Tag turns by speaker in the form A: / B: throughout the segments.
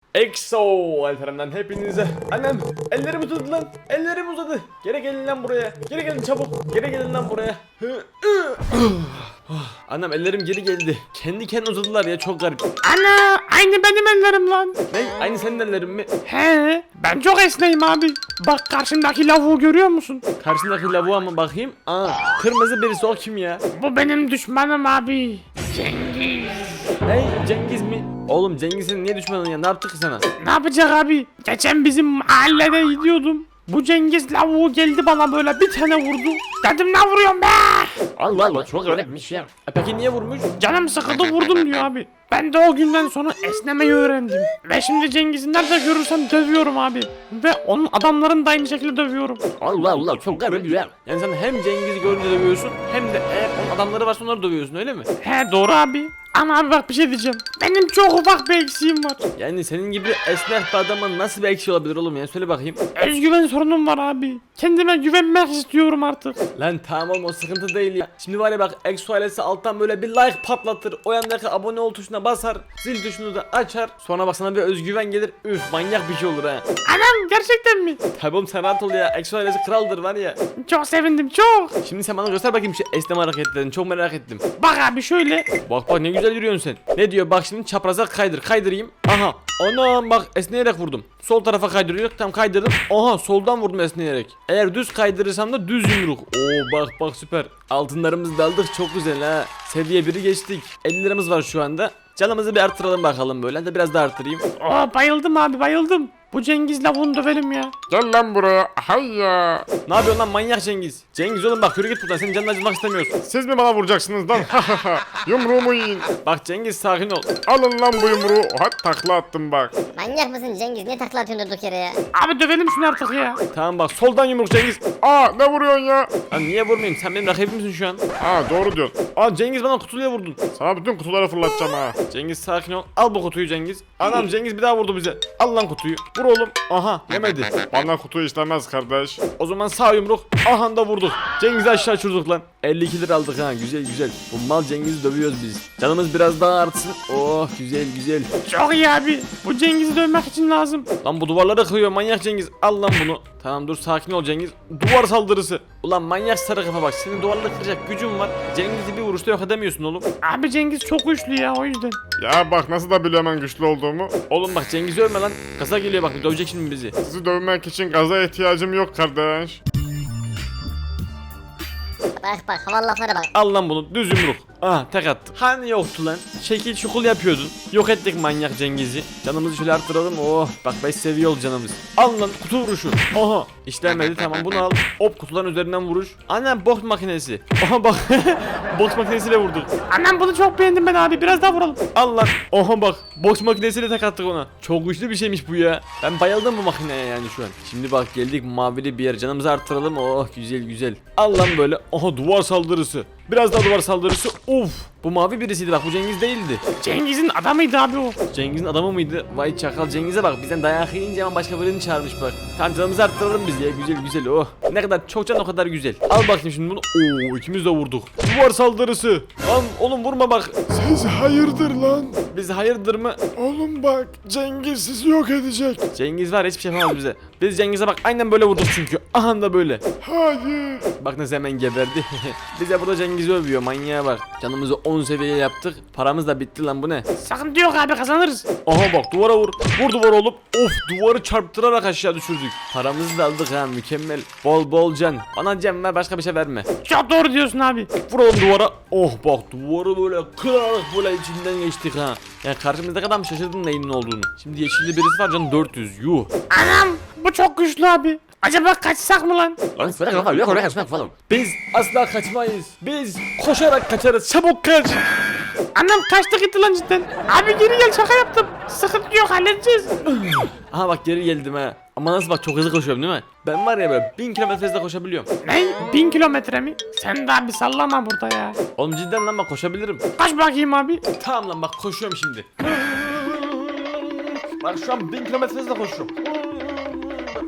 A: EXO Alperen'den hepinize. Annem ellerim uzadı lan. Ellerim uzadı. Geri gelin lan buraya. Geri gelin çabuk. Geri gelin lan buraya. Annem ellerim geri geldi. Kendi kendine uzadılar ya, çok garip.
B: Ana, aynı benim ellerim lan.
A: Ne? Aynı senin ellerin mi?
B: He, ben çok esneyim abi. Bak karşındaki lavuğu görüyor musun?
A: Karşındaki lavuğa mı bakayım? Aa, kırmızı birisi, o kim ya?
B: Bu benim düşmanım abi. Cengiz.
A: Ne? Cengiz mi? Oğlum Cengiz'in niye düşmanın ya? Ne yaptık ki sana?
B: Ne yapacak abi? Geçen bizim mahallede gidiyordum. Bu Cengiz lavuğu geldi bana böyle bir tane vurdu. Dedim ne vuruyorsun be?
A: Allah Allah, çok önemli ya. Peki niye vurmuş?
B: Canım sıkıldı vurdum diyor abi. Ben de o günden sonra esnemeyi öğrendim. Ve şimdi Cengiz'i nerede görürsem dövüyorum abi. Ve onun adamlarını da aynı şekilde dövüyorum.
A: Allah Allah, çok garip ya. Yani sen hem Cengiz'i görünce dövüyorsun hem de eğer onun adamları varsa onları dövüyorsun, öyle mi?
B: He doğru abi. Ama abi bak bir şey diyeceğim. Benim çok ufak bir eksiğim var.
A: Yani senin gibi esnaf bir adamın nasıl bir eksiği olabilir oğlum ya? Söyle bakayım.
B: Özgüven sorunum var abi. Kendime güvenmek istiyorum artık.
A: Lan tamam oğlum, o sıkıntı değil ya. Şimdi var ya bak, EXO ailesi alttan böyle bir like patlatır. O yandaki abone ol tuşuna basar. Zil tuşunu da açar. Sonra bak sana bir özgüven gelir. Üf, manyak bir şey olur ha.
B: Anam gerçekten mi?
A: Tabi oğlum, sen rahat ol ya. EXO ailesi kraldır var ya.
B: Çok sevindim çok.
A: Şimdi sen bana göster bakayım şu esneme hareketlerini. Çok merak ettim.
B: Bak abi şöyle.
A: Bak bak, ne güzel yürüyorsun sen. Ne diyor bak, şimdi çapraza kaydır. Kaydırayım. Aha. Anam bak, esneyerek vurdum. Sol tarafa kaydırıyor. Tam kaydırdım. Aha, soldan vurdum esneyerek. Eğer düz kaydırırsam da düz yumruk. Oo bak bak, süper. Altınlarımızı da aldık, çok güzel ha. Seviye 1'i geçtik. 50 liramız var şu anda. Canımızı bir artıralım bakalım böyle. Hadi biraz daha artırayım.
B: Oo bayıldım abi bayıldım. Bu Cengiz lavuğunu dövelim ya.
C: Gel lan buraya. Hayya.
A: Ne yapıyorsun lan manyak Cengiz? Cengiz oğlum bak, yürü git buradan. Senin canını acıtmak istemiyoruz.
C: Siz mi bana vuracaksınız lan? Yumruğumu yiyin.
A: Bak Cengiz, sakin ol.
C: Alın lan bu yumruğu. Hadi takla attım bak.
D: Manyak mısın Cengiz? Niye takla atıyorsun durduk yere ya?
B: Abi dövelim şunu artık ya.
A: Tamam bak, soldan yumruk Cengiz.
C: Aa, ne vuruyorsun ya?
A: Lan niye vurmayayım? Sen benim rakibimsin şu an.
C: Ha, doğru diyorsun.
A: Aa, Cengiz bana kutuya vurdun.
C: Sana bütün kutuları fırlatacağım ha.
A: Cengiz sakin ol. Al bu kutuyu Cengiz. Anam Cengiz bir daha vurdu bize. Al lan kutuyu. Vur oğlum. Aha, yemedi.
C: Bana kutu işlemez kardeş.
A: O zaman sağ yumruk. Aha da vurduk. Cengiz'i aşağı uçurduk lan. 52 lira aldık ha, güzel güzel. Bu mal Cengiz'i dövüyoruz biz. Canımız biraz daha artsın. Oh güzel güzel.
B: Çok iyi abi. Bu Cengiz'i dövmek için lazım.
A: Lan bu duvarları kırıyor manyak Cengiz. Al lan bunu. Tamam dur, sakin ol Cengiz. Duvar saldırısı. Ulan manyak sarı kafa bak. Senin duvarları kıracak gücün var. Cengiz'i bir vuruşta yok edemiyorsun oğlum.
B: Abi Cengiz çok güçlü ya o yüzden.
C: Ya bak, nasıl da biliyorum ben güçlü olduğumu.
A: Oğlum bak, Cengiz'i övme lan. Gaza geliyor bak, dövecek şimdi bizi.
C: Sizi dövmek için gaza ihtiyacım yok kardeş.
D: Bak bak havalı laflara bak.
A: Al lan bunu, düz yumruk. Aha, tek attım. Hani yoktu lan? Şekil şukul yapıyordun. Yok ettik manyak Cengiz'i. Canımızı şöyle arttıralım. Oh bak, 5 seviye oldu canımız. Al lan kutu vuruşu. Aha, işlemedi, tamam bunu al. Hop, kutuların üzerinden vuruş. Annem boks makinesi. Aha bak. Boks makinesiyle vurduk.
B: Annem bunu çok beğendim ben abi biraz daha vuralım.
A: Al lan. Oha bak, boks makinesiyle tek attık ona. Çok güçlü bir şeymiş bu ya. Ben bayıldım bu makineye yani şu an. Şimdi bak, geldik mavili bir yer. Canımızı arttıralım. Oh güzel güzel. Al lan böyle. Aha, duvar saldırısı. Biraz daha duvar saldırısı. Of. Bu mavi birisiydi bak, bu Cengiz değildi.
B: Cengiz'in adamıydı abi o.
A: Cengiz'in adamı mıydı? Vay çakal, Cengiz'e bak, bizden dayak yiyince ama başka birini çağırmış bak. Tamam, canımızı arttıralım biz ya, güzel güzel oh. Ne kadar çok can o kadar güzel. Al bakayım şimdi bunu. Oo, ikimiz de vurduk. Duvar saldırısı. Lan oğlum vurma bak.
C: Siz hayırdır lan?
A: Biz hayırdır mı?
C: Oğlum bak, Cengiz sizi yok edecek.
A: Cengiz var, hiçbir şey yapamaz bize. Biz Cengiz'e bak aynen böyle vurduk çünkü. Aha da böyle.
C: Hayır.
A: Bak nasıl hemen geberdi. Bize burada Cengiz'i övüyor, manyağa bak. Canımızı 10 seviye yaptık. Paramız da bitti lan, bu ne?
B: Sıkıntı yok abi kazanırız.
A: Aha bak, duvara vur. Vur duvara oğlum. Of, duvarı çarptırarak aşağı düşürdük. Paramızı da aldık ha, mükemmel. Bol bol can. Bana can ver, başka bir şey verme.
B: Çok doğru diyorsun abi.
A: Vur oğlum duvara. Oh bak, duvarı böyle kırarak böyle içinden geçtik ha. Yani karşımızdaki adam şaşırdım neyin ne olduğunu. Şimdi yeşilli birisi var, canı 400. Yuh.
B: Anam bu çok güçlü abi. Acaba kaçsak mı lan?
A: Biz asla kaçmayız. Biz koşarak kaçarız. Çabuk kaç.
B: Anam kaçtı gitti lan cidden. Abi geri gel şaka yaptım. Sıkıntı yok halledeceğiz.
A: Aha bak, geri geldim ha. Ama nasıl bak, çok hızlı koşuyorum değil mi? Ben var ya böyle 1000 kilometre hızla koşabiliyorum.
B: Ne? 1000 kilometre mi? Sen daha bir sallama burada ya.
A: Oğlum cidden lan, bak koşabilirim.
B: Kaç bakayım abi.
A: Tamam lan bak, koşuyorum şimdi. Bak şu an 1000 kilometre hızla koşuyorum. Bütün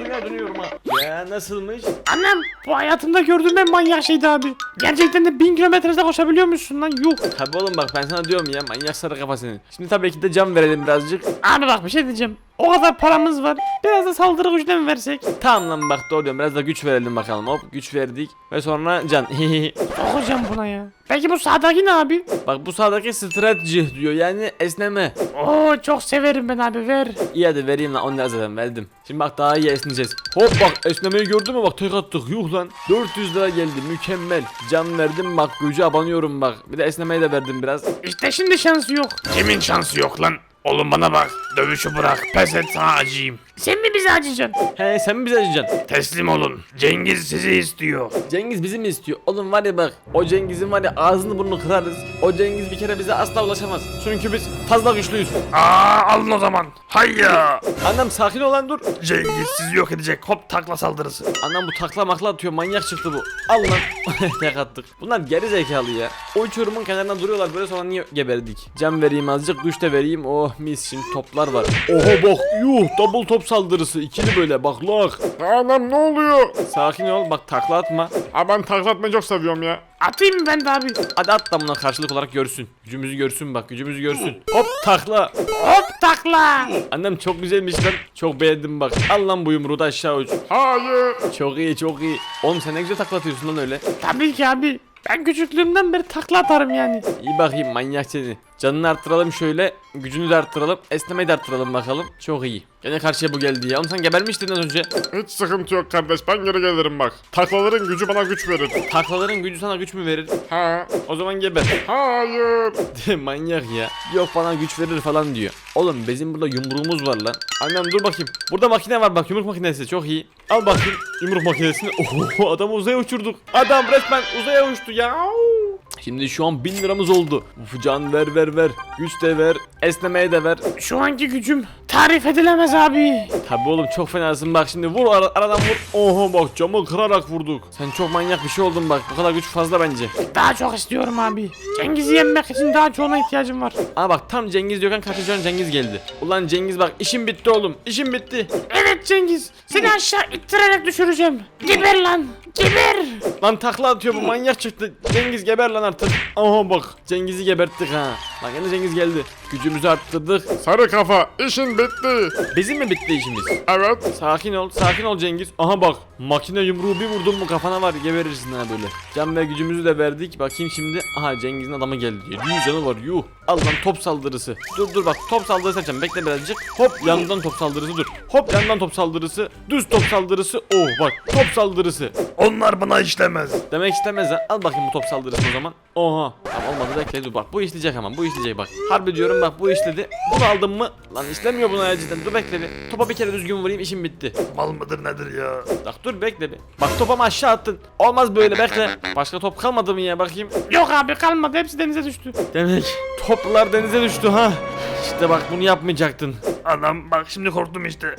A: dünya dönüyorum ha. Ya nasılmış?
B: Annem bu hayatımda gördüğüm en manyak şeydi abi. Gerçekten de 1000 kilometrede koşabiliyormuşsun lan yuh.
A: Tabi oğlum bak ben sana diyorum ya manyak sarı kafa senin. Şimdi tabii ki de cam verelim birazcık.
B: Abi bak bir şey diyeceğim. O kadar paramız var. Biraz da saldırı gücüne mi versek?
A: Tamam lan bak doğru diyorum biraz da güç verelim bakalım hop güç verdik ve sonra can.
B: Sokacağım buna ya. Peki bu sağdaki ne abi?
A: Bak bu sağdaki strateji diyor yani esneme.
B: Oo çok severim ben abi ver.
A: İyi hadi vereyim lan 10 lira zaten verdim. Şimdi bak daha iyi esneyeceğiz. Hop bak esnemeyi gördün mü bak tek attık yuh lan. 400 lira geldi mükemmel. Can verdim bak gücü abanıyorum bak. Bir de esnemeyi de verdim biraz.
B: İşte şimdi şansı yok.
C: Kimin şansı yok lan? Oğlum bana bak. Dövüşü bırak. Pes et sana acıyım.
B: Sen mi bizi acıyacaksın?
A: He sen mi bize acıyacaksın?
C: Teslim olun. Cengiz sizi istiyor.
A: Cengiz bizi mi istiyor? Oğlum var ya bak o Cengiz'in var ya ağzını burnunu kırarız. O Cengiz bir kere bize asla ulaşamaz. Çünkü biz fazla güçlüyüz.
C: Alın o zaman. Hayya.
A: Annem sakin ol lan dur.
C: Cengiz sizi yok edecek. Hop takla saldırısı.
A: Annem bu takla makla atıyor manyak çıktı bu. Al lan. Tek attık. Bunlar geri zekalı ya. O uçurumun kenarına duruyorlar böyle sonra niye geberdik? Can vereyim azıcık güç de vereyim. Oh mis şimdi toplar var. Oha bak yuh double top saldırısı ikili böyle bak lak.
C: Anam ne oluyor?
A: Sakin ol bak takla atma.
C: Ben taklatmayı çok seviyorum ya.
B: Atayım mı ben de abi?
A: Hadi at da buna karşılık olarak görsün. Gücümüzü görsün bak gücümüzü görsün. Hop takla.
B: Hop takla.
A: Annem çok güzelmiş lan. Çok beğendim bak. Al lan bu yumruğu da aşağı uç.
C: Hayır.
A: Çok iyi çok iyi. Oğlum sen ne güzel takla atıyorsun lan öyle.
B: Tabii ki abi. Ben küçüklüğümden beri takla atarım yani.
A: İyi bakayım manyak seni. Canını arttıralım şöyle. Gücünü de arttıralım. Esnemeyi de arttıralım bakalım. Çok iyi. Gene karşıya bu geldi ya. Oğlum sen gebermiştin az önce.
C: Hiç sıkıntı yok kardeş. Ben geri gelirim bak. Taklaların gücü bana güç verir.
A: Taklaların gücü sana güç mü verir?
C: Ha.
A: O zaman geber.
C: Hayır.
A: Manyak ya. Yok bana güç verir falan diyor. Oğlum bizim burada yumruğumuz var lan. Annem dur bakayım. Burada makine var bak yumruk makinesi çok iyi. Al bakayım yumruk makinesini. Oho adamı uzaya uçurduk. Adam resmen uzaya uçtu ya. Şimdi şu an 1000 liramız oldu. Uf can ver. Güç de ver. Esnemeye de ver.
B: Şu anki gücüm tarif edilemez abi.
A: Tabi oğlum çok fenasın bak şimdi vur aradan vur. Oho bak camı kırarak vurduk. Sen çok manyak bir şey oldun bak bu kadar güç fazla bence.
B: Daha çok istiyorum abi. Cengiz'i yenmek için daha çoğuna ihtiyacım var.
A: Aa bak tam Cengiz diyorken kaçacağın Cengiz geldi. Ulan Cengiz bak işim bitti oğlum işim bitti.
B: Evet Cengiz. Seni aşağı ittirerek düşüreceğim. Geber lan. Geber.
A: Lan takla atıyor bu manyak çıktı. Cengiz geber lan artık. Aha bak Cengiz'i geberttik ha. Lan yine Cengiz geldi. Gücümüzü arttırdık.
C: Sarı kafa. İşin bitti.
A: Bizim mi bitti işimiz?
C: Evet.
A: Sakin ol Cengiz. Aha bak makine yumruğu bir vurdun mu kafana var geberirsin ha böyle. Can ve gücümüzü de verdik. Bakayım şimdi. Aha Cengiz'in adamı geldi. 700 canı var yuh. Al lan top saldırısı. Dur bak top saldırısı yapacağım. Bekle birazcık. Hop yandan top saldırısı dur. Hop yandan top saldırısı. Düz top saldırısı. Oh bak top saldırısı.
C: Onlar bana işlemez.
A: Demek istemez ha. Al bakayım bu top saldırısını o zaman. Oha. Tamam olmadı bekle dur bak. Bu işleyecek hemen. Bu işleyecek bak. Harbi diyorum bak bu işledi. Bunu aldım mı? Lan işlemiyor buna ya cidden. Dur bekle bir. Topa bir kere düzgün vurayım işim bitti.
C: Mal mıdır nedir ya?
A: Bak dur bekle bir. Bak topamı aşağı attın. Olmaz böyle bekle. Başka top kalmadı mı ya bakayım.
B: Yok abi kalmadı. Hepsi denize düştü.
A: Demek toplar denize düştü ha. İşte bak bunu yapmayacaktın.
C: Anam bak şimdi korktum işte.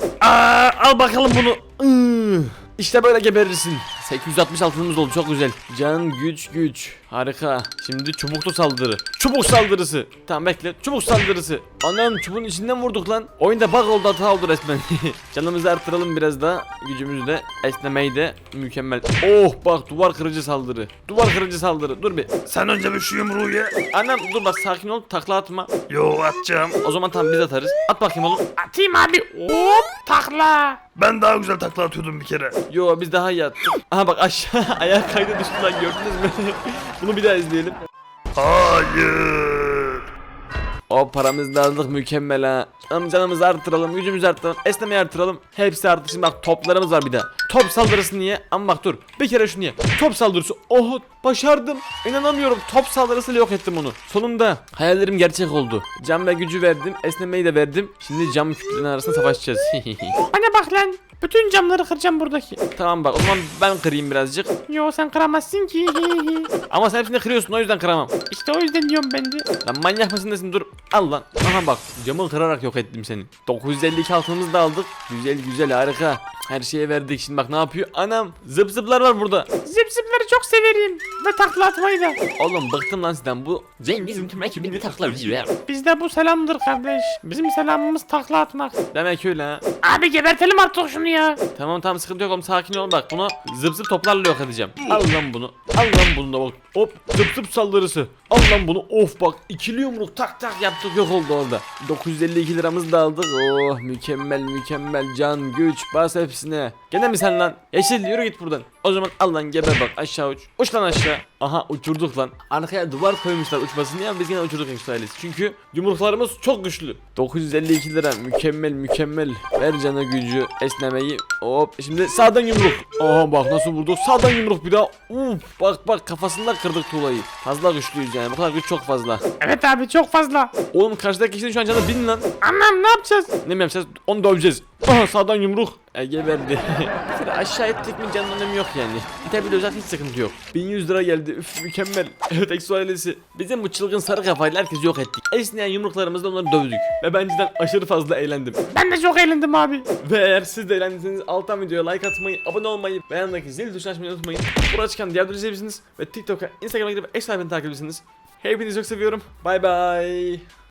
A: Al bakalım bunu. İşte böyle geberirsin. 860 altınımız oldu çok güzel. Can güç. Harika. Şimdi çubuklu saldırı. Çubuk saldırısı. Tamam bekle. Çubuk saldırısı. Anam çubuğun içinden vurduk lan. Oyunda bug oldu hata oldu resmen. Canımızı arttıralım biraz daha. Gücümüzü de esnemeyi de mükemmel. Oh bak duvar kırıcı saldırı. Dur bir.
C: Sen önce bir şu yumruğu ye.
A: Anam dur bak sakin ol takla atma.
C: Yo atacağım.
A: O zaman tamam biz atarız. At bakayım oğlum.
B: Atayım abi. Hop takla.
C: Ben daha güzel takla atıyordum bir kere.
A: Yo biz daha iyi attık. Aha bak aşağı ayağa kaydı düştü lan gördünüz mü? Bunu bir daha izleyelim.
C: Hayır.
A: O paramızı da aldık mükemmel ha. Canımızı arttıralım, gücümüzü arttıralım, esnemeyi arttıralım. Hepsi arttı. Şimdi bak toplarımız var bir de. Top saldırısı niye? Ama bak dur. Bir kere şunu ye. Top saldırısı. Oho başardım. İnanamıyorum. Top saldırısıyla yok ettim onu. Sonunda hayallerim gerçek oldu. Can ve gücü verdim. Esnemeyi de verdim. Şimdi cam kütlenin arasında savaşacağız.
B: Bana bak lan. Bütün camları kıracağım buradaki.
A: Tamam bak o zaman ben kırayım birazcık.
B: Yo sen kıramazsın ki.
A: Ama sen hepsini kırıyorsun o yüzden kıramam.
B: İşte o yüzden diyorum ben de.
A: Lan manyak mısın desin dur. Al lan. Aha bak camı kırarak yok ettim seni. 952 altınımızı da aldık. Güzel harika. Her şeye verdik şimdi bak ne yapıyor? Anam zıp zıplar var burada.
B: Zip zipleri çok severim. Ve takla atmayı da.
A: Oğlum bıktım lan sizden bu.
E: Cengiz'in tüm ekibini takla ediyor.
B: Bizde bu selamdır kardeş. Bizim selamımız takla atmak.
A: Demek öyle ha.
B: Abi gebertelim artık şunu ya.
A: Tamam sıkıntı yok oğlum, sakin ol, bak bunu zıp zıp toplarla yok edeceğim. Al lan bunu. Al lan bunu da bak. Hop zıp zıp saldırısı. Al lan bunu. Of bak ikili yumruk tak tak yaptık, yok oldu orada. 952 liramızı da aldık. Oh mükemmel can güç bas hepsine. Gene mi sen lan? Yeşil yürü git buradan. O zaman al lan geber bak, aşağı uç. Uç lan aşağı. Aha uçurduk lan. Arkaya duvar koymuşlar uçmasın ya, biz yine uçurduk ailesi. Çünkü yumruklarımız çok güçlü. 952 lira mükemmel. Ver cana gücü esnemeyi. Hop şimdi sağdan yumruk. Aha bak nasıl vurduk, sağdan yumruk bir daha. Uf bak kafasında kırdık tuğlayı. Fazla güçlüyüz yani, bu kadar güç çok fazla.
B: Evet abi çok fazla.
A: Oğlum karşıdaki kişinin şu an canı 1000 lan.
B: Anam ne yapacağız?
A: Ne mi yapacağız? Onu döveceğiz. Aha sağdan yumruk. Geberdi. Bir kere aşağı ettik mi canın önemi yok yani. İtebiliyorsak hiç sıkıntı yok. 1100 lira geldi. Üf mükemmel. Evet Exo ailesi. Bizim bu çılgın sarı kafayla herkes yok ettik. Esneyen yumruklarımızla onları dövdük. Ve ben cidden aşırı fazla eğlendim.
B: Ben de çok eğlendim abi.
A: Ve eğer siz de eğlendiyseniz alttan videoya like atmayı, abone olmayı ve yanındaki zil tuşuna açmayı unutmayın. Burada çıkan diğer videoları izleyebilirsiniz. Ve TikTok'a, Instagram'a gidip Exo aileni takip edebilirsiniz. Hepinizi çok seviyorum. Bay bay.